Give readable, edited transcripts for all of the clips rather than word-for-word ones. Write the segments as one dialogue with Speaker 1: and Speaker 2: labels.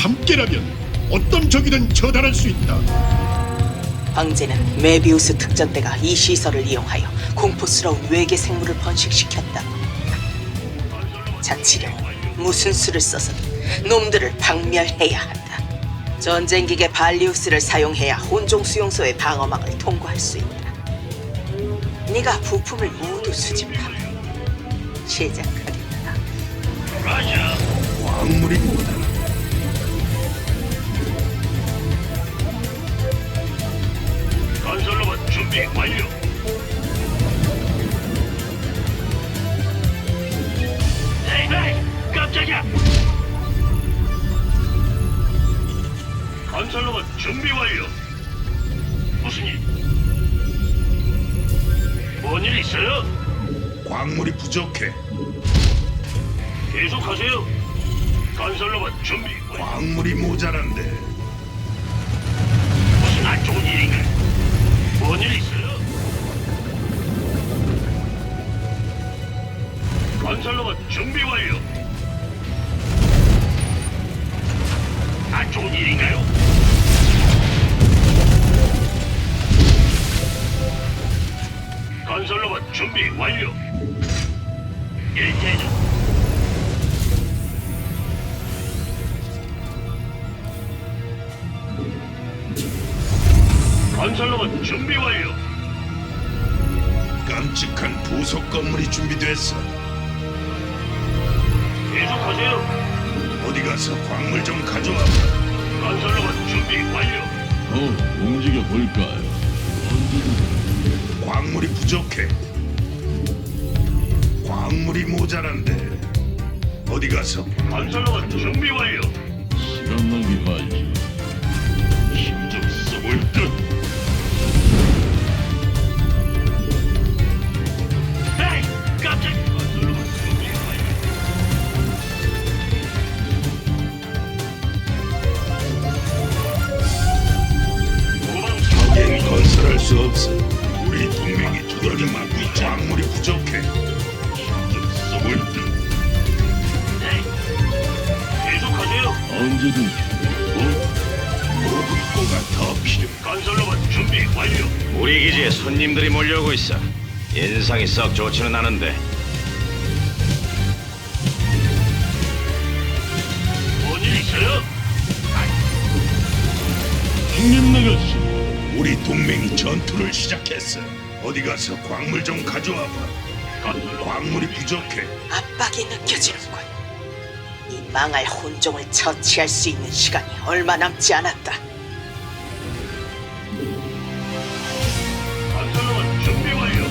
Speaker 1: 함께라면 어떤 적이든 처단할 수 있다.
Speaker 2: 황제는 메비우스 특전대가 이 시설을 이용하여 공포스러운 외계 생물을 번식시켰다. 자치령은 무슨 수를 써서든 놈들을 박멸해야 한다. 전쟁기계 발리우스를 사용해야 혼종 수용소의 방어막을 통과할 수 있다. 네가 부품을 모두 수집하면 시작하겠다.
Speaker 3: 라자.
Speaker 1: 광물이 뭐다.
Speaker 3: 건설로봇 준비 완료. 에이, 깜짝이야. 건설로봇 준비 완료. 무슨 일? 뭔 일 있어요?
Speaker 1: 광물이 부족해.
Speaker 3: 계속하세요. 건설로봇 준비 완료.
Speaker 1: 광물이 모자란데.
Speaker 3: 무슨 안 좋은 일인가? 뭔 일 있어요? 건설로봇 준비 완료. 안 좋은 일인가요? 건설로봇 준비 완료. 일대장. 건설로봇 준비 완료.
Speaker 1: 깜찍한 부속 건물이 준비됐어.
Speaker 3: 계속하세요.
Speaker 1: 어디 가서 광물 좀 가져와.
Speaker 3: 건설로봇 준비 완료.
Speaker 4: 움직여 볼까요?
Speaker 1: 광물이 부족해. 광물이 모자란데. 어디 가서
Speaker 3: 건설로봇 준비 완료.
Speaker 4: 시간 낭비 말지.
Speaker 3: 힘 좀 써볼 듯. 에이, 깜짝. 건설로봇 준비 완료. 도망
Speaker 1: 얜 건설할 수 없어. 우리 동맹이 두들겨 맞고 있지. 광물이 부족해.
Speaker 3: 좀 써볼 듯. 에이, 계속하세요.
Speaker 4: 언제든지.
Speaker 1: 보급고가 더 필요해.
Speaker 3: 건설로봇 준비 완료.
Speaker 5: 우리 기지에 손님들이 몰려오고 있어. 인상이 썩 좋지는 않은데.
Speaker 3: 뭔 일 있어요?
Speaker 4: 형님 나가시.
Speaker 1: 우리 동맹이 전투를 시작했어. 어디 가서 광물 좀 가져와 봐. 광물이 부족해.
Speaker 2: 압박이 느껴지는군. 이 망할 혼종을 처치할 수 있는 시간이 얼마 남지 않았다.
Speaker 3: 건설로봇 준비 완료.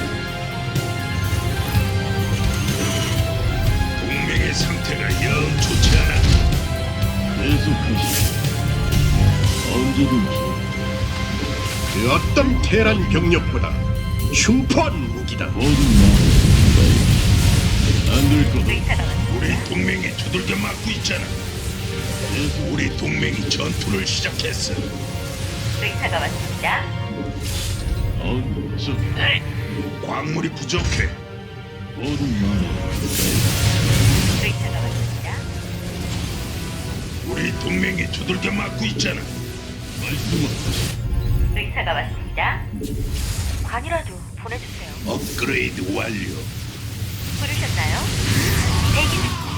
Speaker 1: 동맹의 상태가 영 좋지 않아.
Speaker 4: 계속하시. 언제든지.
Speaker 1: 그 어떤 테란 병력보다 흉포한 무기다.
Speaker 4: 모든 마음. 안될 거다.
Speaker 1: 우리 동맹이 두들겨 맞고 있잖아. 우리 동맹이 전투를 시작했어.
Speaker 6: 의사가 왔습니다.
Speaker 4: 언제
Speaker 3: 에이,
Speaker 1: 광물이 부족해.
Speaker 4: 모든 마음.
Speaker 6: 의사가 왔습니다.
Speaker 1: 우리 동맹이 두들겨 맞고 있잖아.
Speaker 4: 말씀하시.
Speaker 6: 의사가 왔습니다. 관이라도 보내주세요.
Speaker 1: 업그레이드 완료.
Speaker 6: 부르셨나요? 대기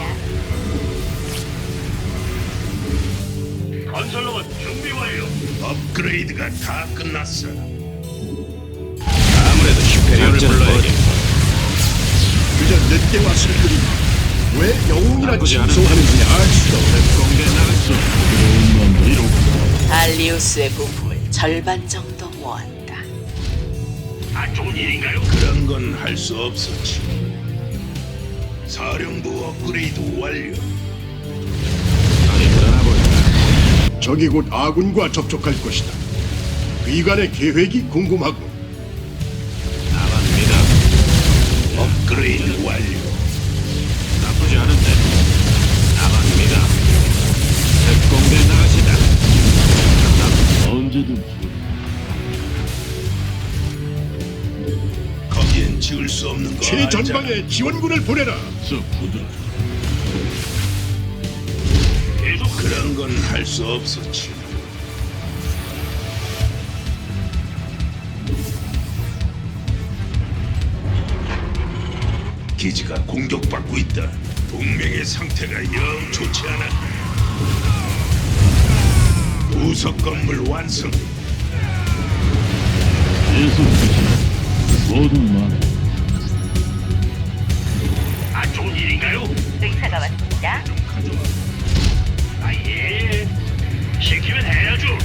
Speaker 6: 중입니다.
Speaker 3: 건설로봇 준비 완료.
Speaker 1: 업그레이드가 다 끝났어.
Speaker 5: 아무래도 슈페리어를 불러야겠다.
Speaker 1: 그저 늦게 왔을 뿐이니 왜 영웅이라
Speaker 5: 나쁘지 않은데.
Speaker 1: 칭송하는지 알 수도 없고.
Speaker 5: 공개 나갔어.
Speaker 4: 들어온 마음대로.
Speaker 2: 발리우스의 부품을 절반 정도 모았다.
Speaker 3: 안 좋은 일인가요?
Speaker 1: 그런 건 할 수 없었지. 사령부 업그레이드 완료.
Speaker 5: 어디 떠나볼까?
Speaker 1: 적이 곧 아군과 접촉할 것이다. 위관의 계획이 궁금하고.
Speaker 5: 나갑니다.
Speaker 1: 업그레이드 완료.
Speaker 5: 나쁘지 않은데. 나갑니다. 특공대 나가시다.
Speaker 4: 언제든지.
Speaker 1: 거기엔 지을 수 없는 거 최전방에 지원군을 보내라.
Speaker 4: 저 부들.
Speaker 3: 계속
Speaker 1: 그런 다른 건 할 수 없었지. 기지가 공격받고 있다. 동맹의 상태가 영 좋지 않아. 부속 건물 완성.
Speaker 4: 계속하시오. 모두 말해.
Speaker 3: 아, 좋은 일인가요?
Speaker 6: 의사가 왔습니다.
Speaker 3: 아, 예. 시키면 해야죠.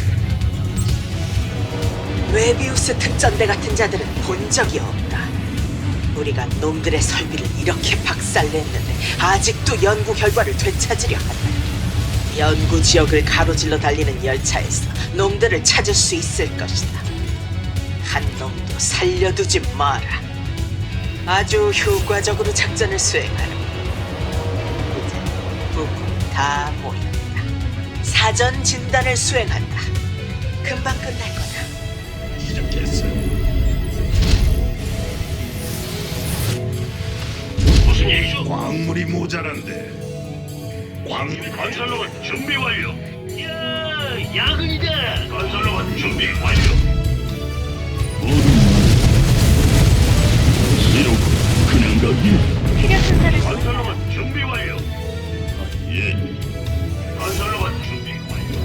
Speaker 2: 웨비우스 특전대 같은 자들은 본 적이 없다. 우리가 놈들의 설비를 이렇게 박살냈는데 아직도 연구 결과를 되찾으려 한다. 연구 지역을 가로질러 달리는 열차에서 놈들을 찾을 수 있을 것이다. 한 놈도 살려두지 마라. 아주 효과적으로 작전을 수행하라. 이제 부품 다 모였다. 사전 진단을 수행한다. 금방 끝날 거다.
Speaker 1: 시작했어.
Speaker 3: 무슨 일이죠?
Speaker 1: 광물이 모자란데.
Speaker 3: 건설로봇 준비 완료. 야, 야근이다. 건설로봇 준비 완료.
Speaker 4: 모두 말해. 이러고 그냥 가기?
Speaker 6: 필요 순서를
Speaker 3: 건설로봇 준비 완료.
Speaker 4: 예.
Speaker 3: 건설로봇 준비 완료.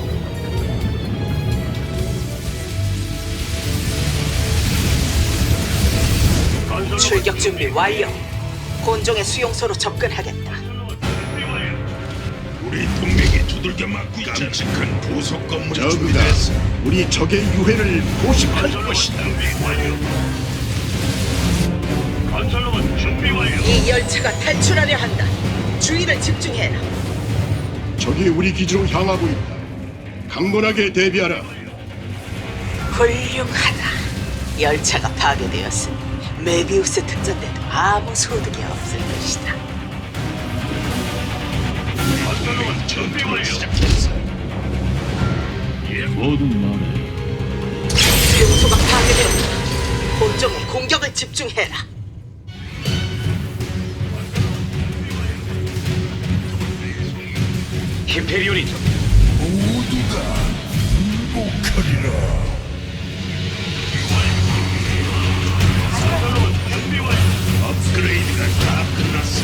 Speaker 3: 건설로봇
Speaker 2: 출격 준비 완료. 곤종의 수용소로 접근하겠다.
Speaker 3: 준비 완료.
Speaker 1: 우리 동맹이 두들겨 맞고 있잖아. 깜찍한 부속 건물이
Speaker 7: 저그가
Speaker 1: 준비됐어.
Speaker 7: 우리 적의 유해를 포식할
Speaker 3: 건설로봇
Speaker 7: 것이다.
Speaker 3: 준비 완료. 건설로봇 준비 완료.
Speaker 2: 이 열차가 탈출하려 한다. 주의를 집중해라.
Speaker 7: 적이 우리 기지로 향하고 있다. 강건하게 대비하라.
Speaker 2: 훌륭하다. 열차가 파괴되었으니 메비우스 특전대도 아무 소득이 없을 것이다.
Speaker 3: 건설로봇 준비
Speaker 1: 전투를
Speaker 3: 완료.
Speaker 1: 시작했어.
Speaker 4: 모두 말해.
Speaker 2: 수용소가 파괴되었다. 곤종의 공격을 집중해라.
Speaker 5: 히페리온이 좀
Speaker 1: 모두가 행복하리라.
Speaker 3: 건설로봇 준비 완료.
Speaker 1: 업그레이드가 다 끝났어.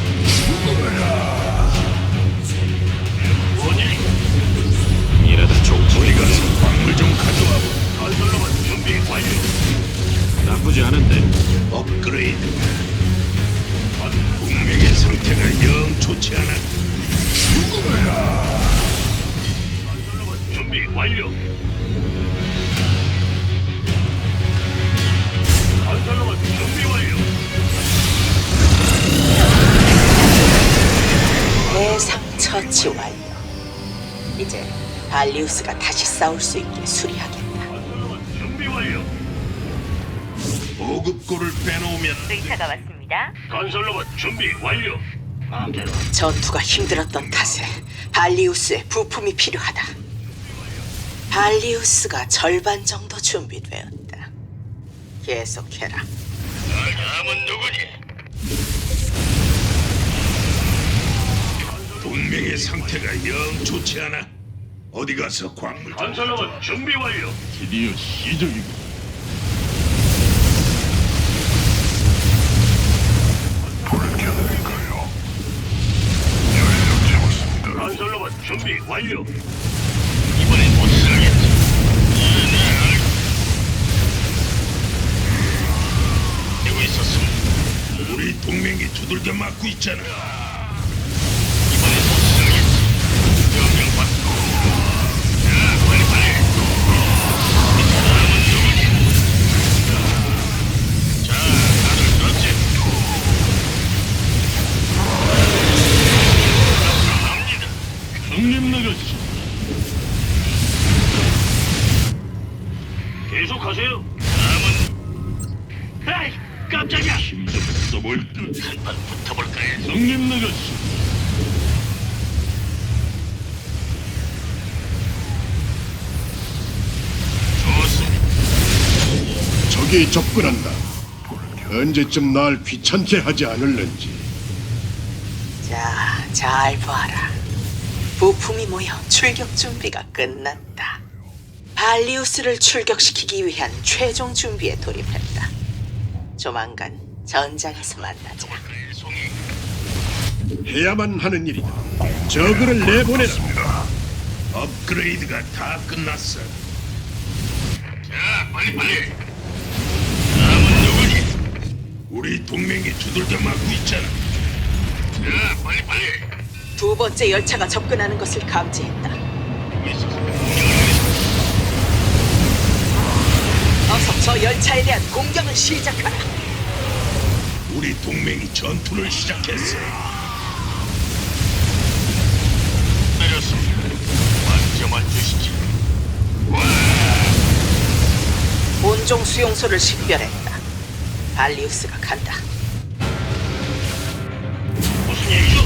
Speaker 1: 죽어라.
Speaker 3: 뭔 일이?
Speaker 5: 이러다 족보이가
Speaker 1: 우리 가서 광물 좀 가져와.
Speaker 3: 건설로봇 준비 완료.
Speaker 5: 나쁘지 않은데.
Speaker 1: 업그레이드. 동맹의 상태가 영 좋지 않아. 죽어라.
Speaker 3: 건설로봇 준비 완료. 건설로봇 준비 완료.
Speaker 2: 대상 처치 완료. 이제 발리우스가 다시 싸울 수 있게 수리하겠다.
Speaker 3: 건설로봇 준비 완료.
Speaker 1: 보급고를 빼놓으면
Speaker 6: 의사가 왔습니다.
Speaker 3: 건설로봇 준비 완료. 마음대로.
Speaker 2: 전투가 힘들었던 탓에 발리우스의 부품이 필요하다. 발리우스가 절반 정도 준비되었다. 계속해라.
Speaker 3: 다음은 누구니?
Speaker 1: 동맹의 상태가 영 좋지 않아. 어디 가서 광물 좀
Speaker 3: 건설로봇 준비 완료.
Speaker 4: 드디어 시작이고.
Speaker 3: 건설로봇 준비 완료. 이번엔 못 쓰겠지. 되고 있었음.
Speaker 1: 우리 동맹이 두들겨 맞고 있잖아.
Speaker 3: 이번엔 못 쓰겠지. 명령 받고. 자, 빨리. 다음은 누구니? 자, 다들 들었지? 갑니다.
Speaker 4: 형님 나가시.
Speaker 3: 계속하세요. 다음은. 에이, 깜짝이야.
Speaker 4: 힘좀 써볼까?
Speaker 3: 한판 붙어볼까 해서.
Speaker 4: 형님 나가시.
Speaker 3: 좋습니다.
Speaker 7: 적이 접근한다. 언제쯤 날 귀찮게 하지 않을는지.
Speaker 2: 자, 잘 봐라. 부품이 모여 출격 준비가 끝났다. 발리우스를 출격시키기 위한 최종 준비에 돌입했다. 조만간 전장에서 만나자.
Speaker 7: 해야만 하는 일이다. 저그를 내보내라.
Speaker 1: 업그레이드가 다 끝났어.
Speaker 3: 자, 빨리.
Speaker 1: 우리 동맹이 두들겨 맞고 있잖아.
Speaker 3: 자, 빨리.
Speaker 2: 두 번째 열차가 접근하는 것을 감지했다. 어서 저 열차에 대한 공격을 시작하라.
Speaker 1: 우리 동맹이 전투를 시작했어.
Speaker 3: 내렸습니다. 만점만 주시지.
Speaker 2: 본종 수용소를 식별했다. 발리우스가 간다.
Speaker 3: 무슨 얘기죠?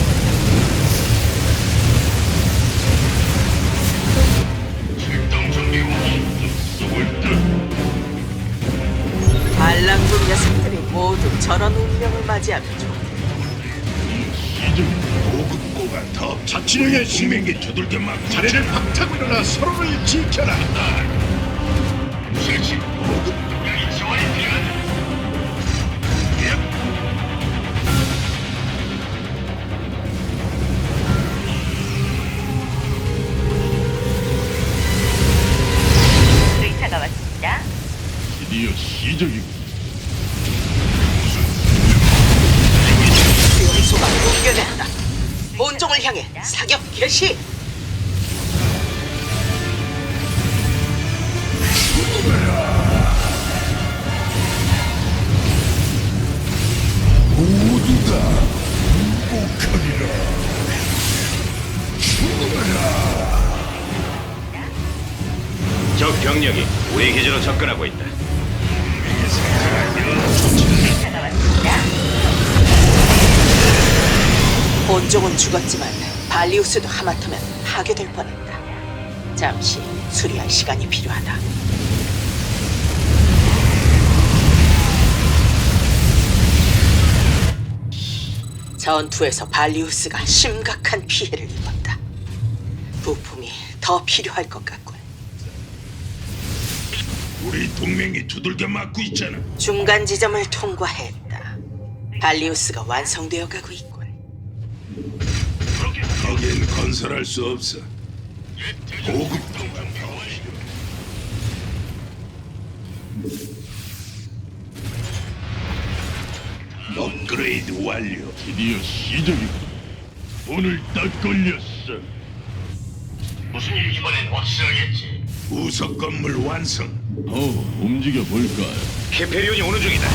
Speaker 3: 출동 준비 완료.
Speaker 2: 반란군 녀석들이 모두 저런 운명을 맞이하면 좋아.
Speaker 1: 보급고가 더
Speaker 7: 자치령의 시민
Speaker 1: 동맹이 두들겨 맞고
Speaker 7: 자리를 박차고 일어나 서로를 지켜라.
Speaker 3: 실시. 여기 지원이 필요하다.
Speaker 6: 의사가 왔습니다.
Speaker 4: 드디어 시작이군.
Speaker 2: 수용소가 붕괴됐다. 본종을 향해 사격 개시.
Speaker 5: 적 병력이 우리 기지로 접근하고 있다.
Speaker 6: 의사가 왔습니다.
Speaker 2: 본종은 죽었지만 발리우스도 하마터면 파괴될 뻔했다. 잠시 수리할 시간이 필요하다. 전투에서 발리우스가 심각한 피해를 입었다. 부품이 더 필요할 것 같군.
Speaker 1: 우리 동맹이 두들겨 맞고 있잖아.
Speaker 2: 중간 지점을 통과했다. 발리우스가 완성되어 가고 있군.
Speaker 1: 거긴 건설할 수 없어. 보급고가 더 필요. 업그레이드 완료.
Speaker 4: 드디어 시작이군. 오늘 딱 걸렸어.
Speaker 3: 무슨 일 이번엔 확실하겠지.
Speaker 1: 우석 건물 완성.
Speaker 4: 움직여 볼까요?
Speaker 5: 히페리온이 오는 중이다.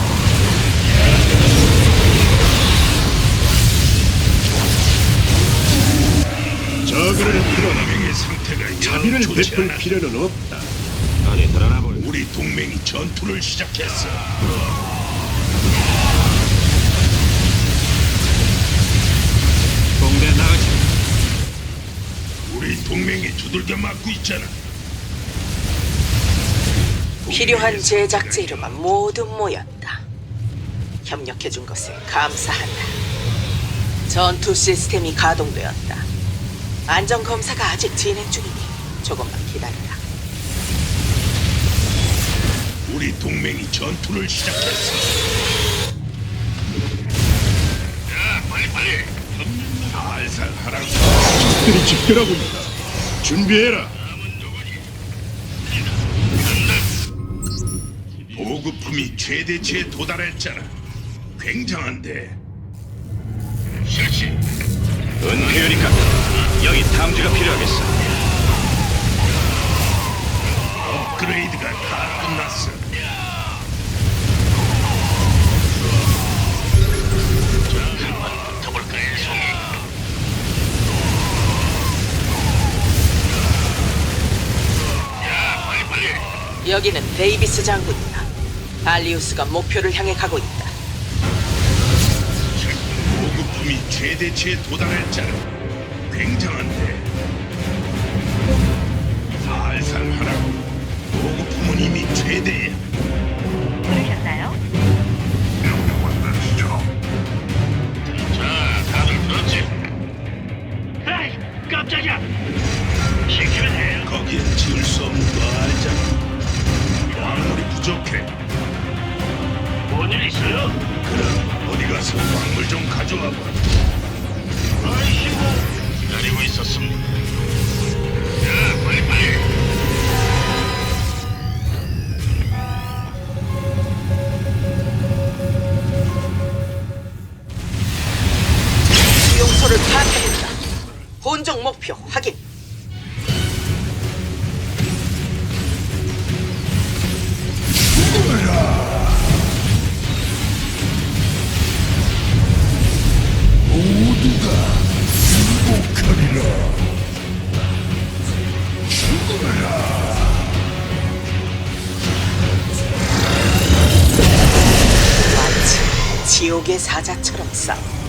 Speaker 7: 저그를 풀어라.
Speaker 1: 동맹의 상태가
Speaker 7: 자비를
Speaker 1: 영 좋지
Speaker 7: 베풀
Speaker 1: 않아.
Speaker 7: 필요는 없다.
Speaker 5: 어디 드러나 볼.
Speaker 1: 우리 동맹이 전투를 시작했어.
Speaker 5: 공대 나가지.
Speaker 1: 우리 동맹이 두들겨 맞고 있잖아.
Speaker 2: 필요한 제작 재료가 모두 모였다. 협력해준 것을 감사한다. 전투 시스템이 가동되었다. 안전 검사가 아직 진행 중이니 조금만 기다려라.
Speaker 1: 우리 동맹이 전투를 시작했어.
Speaker 3: 자, 빨리.
Speaker 1: 살살 하라고.
Speaker 7: 적들이 집결하고 있다. 준비해라.
Speaker 1: 보급품이 최대치에 도달했잖아. 굉장한데.
Speaker 3: 실시.
Speaker 5: 은폐율이니까 여기 탐지가 필요하겠어.
Speaker 1: 업그레이드가 다 끝났어.
Speaker 3: 붙어볼까요, 송이? 야, 빨리.
Speaker 2: 여기는 데이비스 장군이다. 발리우스가 목표를 향해 가고 있다.
Speaker 1: 보급품이 최대치에 도달했잖아. 굉장한데. 살살 하라고. 보급품은 이미 최대야.
Speaker 6: 부르셨나요?
Speaker 3: 자, 다들 들었지?
Speaker 4: 에이, 깜짝
Speaker 1: 가져와봐.
Speaker 3: 아이고, 기다리고 있었습니다. 자, 빨리빨리.
Speaker 2: 수용소를 파악했다. 본종 목표 확인. 마치 지옥의 사자처럼 싸워.